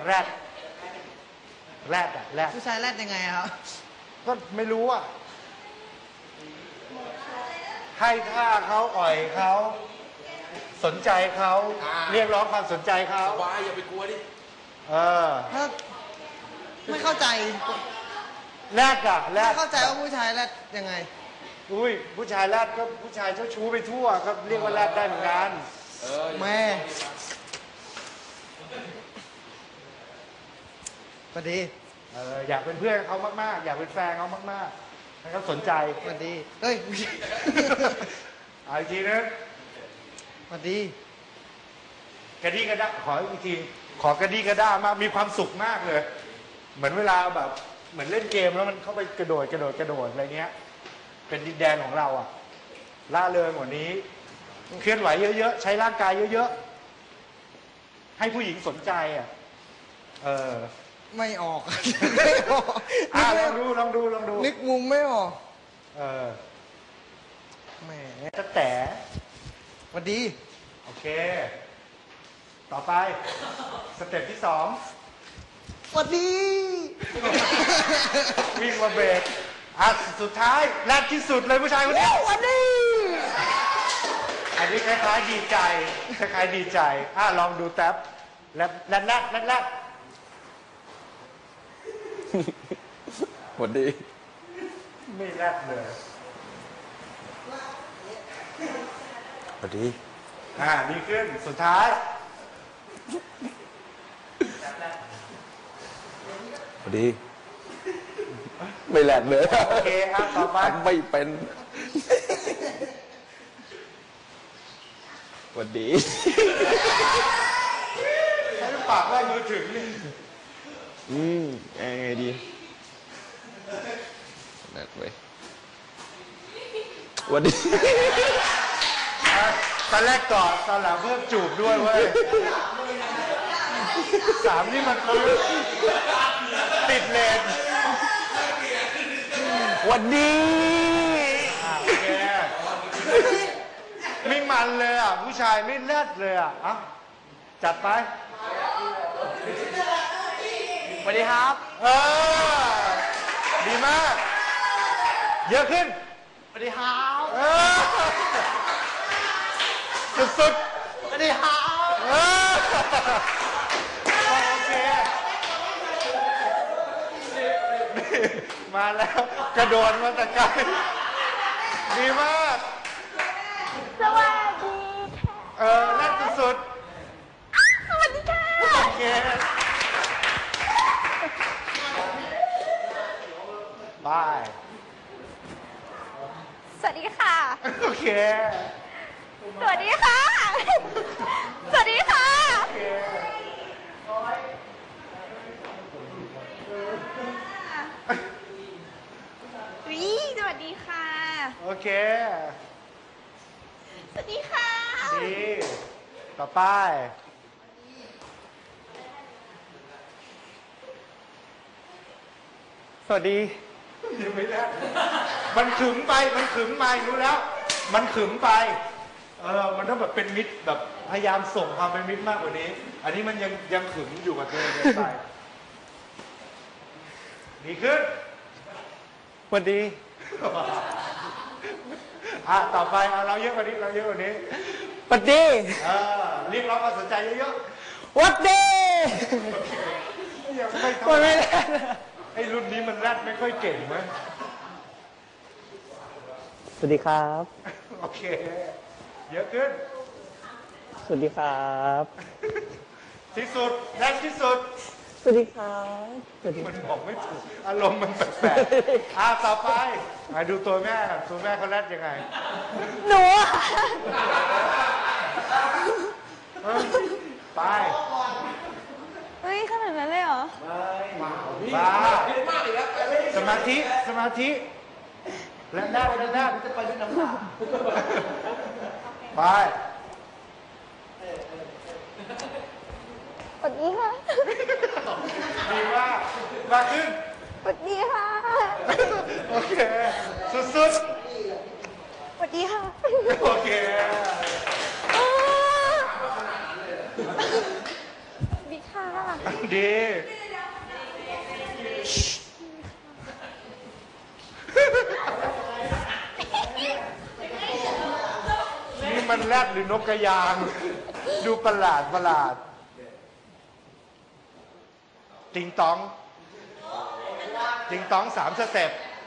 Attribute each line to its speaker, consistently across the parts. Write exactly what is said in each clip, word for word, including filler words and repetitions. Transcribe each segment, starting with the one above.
Speaker 1: แรดแรดอะแรด
Speaker 2: ผู้ชายแรดยังไงครับ
Speaker 1: ก็ไม่รู้อะให้ท่าเขาอ่อยเขาสนใจเขาเรียกร้องความสนใจเขา
Speaker 3: สบายอย่าไปกลัวดิ
Speaker 1: เออ
Speaker 2: ถ้าไม่เข้าใจ
Speaker 1: แรดอะแรด
Speaker 2: ไม่เข้าใจว่าผู้ชายแรดยังไง
Speaker 1: อุ้ยผู้ชายแรดก็ผู้ชายเจ้าชู้ไปทั่วก็เรียกว่าแรดได้เหมือนกัน
Speaker 2: แม่สวัสดี
Speaker 1: เอออยากเป็นเพื่อนเขามากๆอยากเป็นแฟนเขามากๆให้เขาสนใจ
Speaker 2: สวัสดีเฮ้ย
Speaker 1: เอาอีกทีนึง
Speaker 2: สวัสดี
Speaker 1: กระดี้กระด้าขออีกทีขอกระดี้กระด้ามากมีความสุขมากเลยเหมือนเวลาแบบเหมือนเล่นเกมแล้วมันเข้าไปกระโดดกระโดดกระโดดอะไรเงี้ยเป็นดินแดนของเราอะล่าเริงกว่านี้เคลื่อนไหวเยอะๆใช้ร่างกายเยอะๆให้ผู้หญิงสนใจอะเออ
Speaker 2: ไม่ออกไม่ออก
Speaker 1: อ่าลองดูลองดูลองดู
Speaker 2: นึกมุมไม่ออก
Speaker 1: เออ
Speaker 2: แหม
Speaker 1: จะแต่
Speaker 2: สวัสดี
Speaker 1: โอเคต่อไปสเต็ปที่สอง
Speaker 2: สวัสดี
Speaker 1: วิ่งมาเบรกอ่ะสุดท้ายแรกที่สุดเลยผู้ชายคนนี้
Speaker 2: สวัสดี
Speaker 1: อันนี้คล้ายๆดีใจคล้ายๆดีใจอ่ะลองดูแท็บแรดแรดแรดแรดแรด
Speaker 3: สวัสดี
Speaker 1: ไม่แรดเลย
Speaker 3: สวัสดี
Speaker 1: อ่าดีขึ้นสุดท้าย
Speaker 3: สวัสดีไม่แรดเลย
Speaker 1: โอเคอ่ะต่อไป
Speaker 3: ไม่เป็นสวัสดี
Speaker 1: ใช้ปากไล่มือถึงนี่
Speaker 3: อืมยังไงดีแรดเว้ยสวัสดี
Speaker 1: ตอนแรกกอดตอนหลังเพิ่มจูบด้วยเว้ยสามนี่มันคือติดเลน
Speaker 3: วันดี
Speaker 1: โอเคไม่มันเลยอ่ะผู้ชายไม่เลิศเลยอ่ะอ่ะจัดไป
Speaker 2: สวัสดีครับ
Speaker 1: เออดีมากเยอะขึ้น
Speaker 2: สวัสดีครับ
Speaker 1: เออสุด
Speaker 2: ๆสวัสดีครับ
Speaker 1: เออโอเคมาแล้วกระโดดมาแต่ไกลดีมาก
Speaker 4: สวัสดี
Speaker 1: เออแรกสุด
Speaker 4: สวัสดีค่ะ
Speaker 1: โอเคบาย
Speaker 4: สวัสดีค่ะ
Speaker 1: โอเค
Speaker 4: สวัสดีค่ะสวัสดีค่ะ
Speaker 1: โอเค
Speaker 4: วิสวัสดีค่ะ
Speaker 1: โอเค
Speaker 4: สวัสดีค่ะ
Speaker 1: ดีต่อไป
Speaker 2: สวัสดี
Speaker 1: ยังไม่ได้มันขึมไปมันขึมไปรู้แล้วมันขึมไปเออมันต้องแบบเป็นมิตรแบบพยายามส่งความเป็นมิตรมากกว่านี้อันนี้มันยังยังขึมอยู่กับตัวเองไปดีขึ้น
Speaker 2: สวัสดี
Speaker 1: อ่ะต่อไปเอาเราเยอะกว่านี้เราเยอะกว่านี้
Speaker 2: สวัสดี
Speaker 1: เออเรียกร้องความสนใจเยอะ
Speaker 2: ๆสวัสดี
Speaker 1: ยังไม่ทำไม่ได้ไอ้รุ่นนี้มันแรดไม่ค่อยเก่งมั้ย
Speaker 2: สวัสดีครับ
Speaker 1: โอเคเยอะขึ้น
Speaker 2: สวัสดีครับ
Speaker 1: ที่สุดแรดที่สุด
Speaker 2: สวัสดีครับ
Speaker 1: มันบอกไม่ถูกอารมณ์มันแปลกๆอ่ะต่อไปมาดูตัวแม่ตัวแม่เขาแรดยังไง
Speaker 4: หนู
Speaker 1: ไป
Speaker 4: เฮ้ยขนาดนั้นเลยเหรอ
Speaker 1: บ้าสมาธิสมาธิแล้วหน้าแล้วหน้าจะไปด้วยน้ำตาไป
Speaker 4: สวัสดีค่ะ
Speaker 1: ดีมากมาขึ้น
Speaker 4: สวัสดีค่ะ
Speaker 1: โอเคสุดๆ
Speaker 4: สวัสดีค่ะ
Speaker 1: โอเค
Speaker 4: สวัสดีค่ะ
Speaker 1: ดี นี่มันแรดหรือนกกระยาง ดูประหลาดประหลาด ติงตอง ติงตองสามสเต็ปไป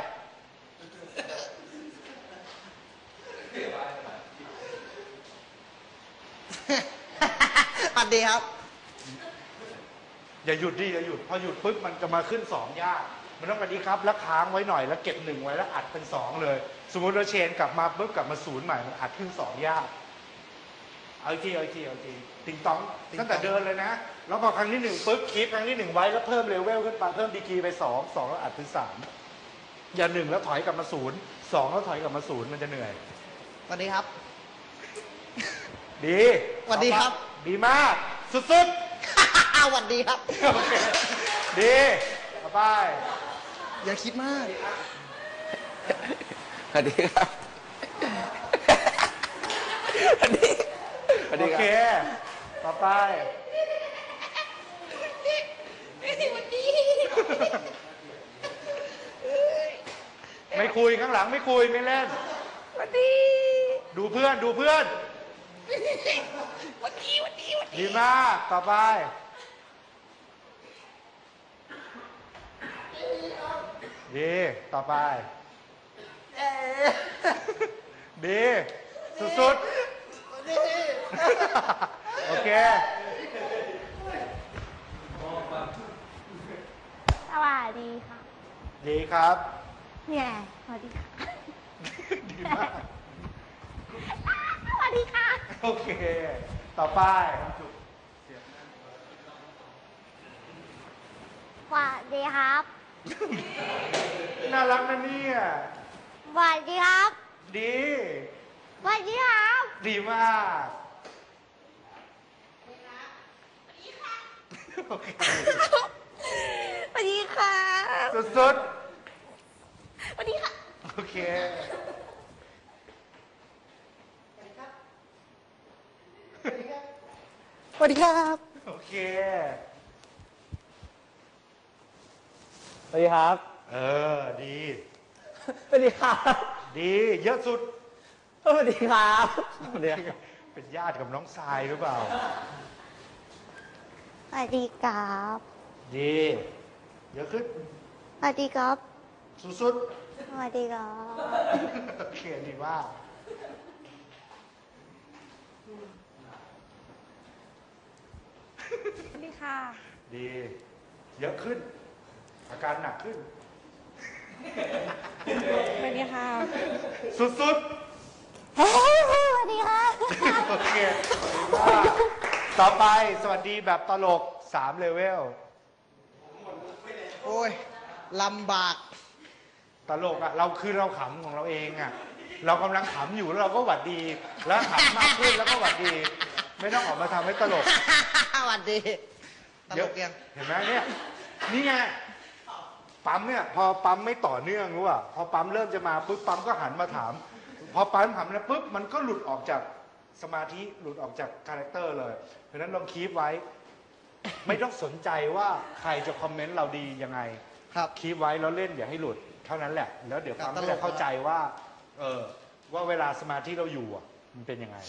Speaker 2: สวัสดีครับ
Speaker 1: อย่าหยุดดิอย่าหยุดพอหยุดปุ๊บมันจะมาขึ้นสองยากมันต้องแบบนี้ครับแล้วค้างไว้หน่อยแล้วเก็บหนึ่งไว้แล้วอัดเป็นสองเลย สมมติเราเชนกลับมาปุ๊บกลับมาศูนย์ใหม่มันอัดขึ้นสองยากเอาอีกทีเอาอีกทีเอาอีกทีติงตองตั้งแต่เดินเลยนะแล้วพอครั้งที่หนึ่งปุ๊บคีปครั้งที่หนึ่งไว้แล้วเพิ่มเลเวลขึ้นไปเพิ่มดีกรีไปสองสองแล้วอัดเป็นสามอย่าหนึ่งแล้วถอยกลับมาศูนย์สองแล้วถอยกลับมาศูนย์มันจะเหนื่อย
Speaker 2: สวัสดีครับ
Speaker 1: ดี
Speaker 2: สวัสดีครับ
Speaker 1: ดีมากสุด
Speaker 2: สวัสดีครับ
Speaker 1: ๆโอเคดีต่อไป
Speaker 2: อย่าคิดมาก
Speaker 3: สวัสดีครับสวัสดีสวัส
Speaker 1: โอ
Speaker 3: ดีค
Speaker 1: เค
Speaker 3: รับ
Speaker 1: ต่อไป ไม่คุยข้างหลังไม่คุยไม่เล่น
Speaker 4: สวัสดี
Speaker 1: ดูเพื่อนดูเพื่อน
Speaker 4: วันดีวันดีวันดี
Speaker 1: ดีมากต่อไป ดีต่อไป ดีสุดๆ โอเค
Speaker 4: สวัสดีค่ะ
Speaker 1: ดีครับ
Speaker 4: เนี่ยสวัสดีค่ะ
Speaker 1: ดีมาก
Speaker 4: สวัสดีค่ะ
Speaker 1: โอเค ต่อไป
Speaker 4: สวัสดีครับ
Speaker 1: น่ารักนะเนี่ย
Speaker 4: สวัสดีครับ
Speaker 1: ดี
Speaker 4: สวัสดีครับ
Speaker 1: ดีมากโอเค
Speaker 4: สวัสดีค่ะ
Speaker 1: สุด
Speaker 4: สวัสดีค่ะ
Speaker 1: ๆ โอเค
Speaker 2: สวัสดีครับ
Speaker 1: โอเค
Speaker 2: สวัสดีครับ
Speaker 1: เออ ดี
Speaker 2: สวัสดีครับ
Speaker 1: ดี เยอะสุด
Speaker 2: สวัสดีครับสวัสดีครับ
Speaker 1: เป็นญาติกับน้องทรายหรือเปล่า
Speaker 4: สวัสดีครับ
Speaker 1: ดี เยอะขึ้น
Speaker 4: สวัสดีครับ
Speaker 1: สุด
Speaker 4: สวัสดีครับ
Speaker 1: ๆ โอเค ดีมาก
Speaker 4: สวัสดีค่ะ
Speaker 1: ดี เยอะขึ้น อาการหนักขึ้น
Speaker 4: สวัสดีค่ะ
Speaker 1: สุด
Speaker 4: สวัสดีค่ะ
Speaker 1: ๆ โอเคดีมากต่อไปสวัสดีแบบตลกสามเลเวล
Speaker 2: โอ้ย ลำบาก
Speaker 1: ตลกอะเราคือเราขำของเราเองอะเรากำลังขำอยู่แล้วเราก็หวัดดี แล้วขำมากขึ้นแล้วก็หวัดดี ไม่ต้องออกมาทำให้ตลก
Speaker 2: สวัสดี ตลกยัง
Speaker 1: เห็นไหมเนี่ยนี่ไงปั๊มเนี่ยพอปั๊มไม่ต่อเนื่องรู้ป่ะพอปั๊มเริ่มจะมาปุ๊บปั๊มก็หันมาถาม พอปั๊มหันแล้วปุ๊บมันก็หลุดออกจากสมาธิหลุดออกจากคาแรคเตอร์เลยเพราะฉะนั้นลองคีปไว้ ไม่ต้องสนใจว่าใครจะคอมเมนต์เราดียังไง
Speaker 2: ครับ
Speaker 1: คีปไว้แล้วเล่นอย่าให้หลุดเท่านั้นแหละ แล้วเดี๋ยวปั๊ม
Speaker 2: ตลก
Speaker 1: ก็จะเข้าใจว่า เออ ว่าเวลาสมาธิเราอยู่อ่ะ มันเป็นยังไง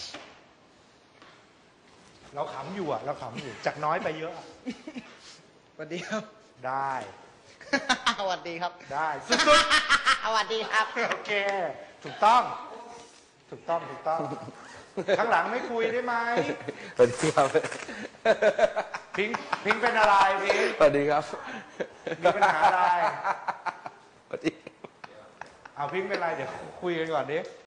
Speaker 1: เราขำอยู่อ่ะ เราขำอยู่จากน้อยไปเยอะอะ
Speaker 2: สวัสดีครับ
Speaker 1: ได้
Speaker 2: สวัสดีครับ
Speaker 1: ได้สุด
Speaker 2: สวัสดีครับ
Speaker 1: ๆ โอเค ถูกต้อง ถูกต้องถูกต้อง ข้างหลังไม่คุยได้ไหม
Speaker 3: สวัสดีครับ
Speaker 1: พิงค์พิงค์เป็นอะไรพิงค์
Speaker 3: สวัสดีครับ
Speaker 1: มีปัญหาอะไร
Speaker 3: สวัสดี
Speaker 1: เอาพิงค์เป็นอะไรเดี๋ยวคุยกันก่อนดิ
Speaker 3: ส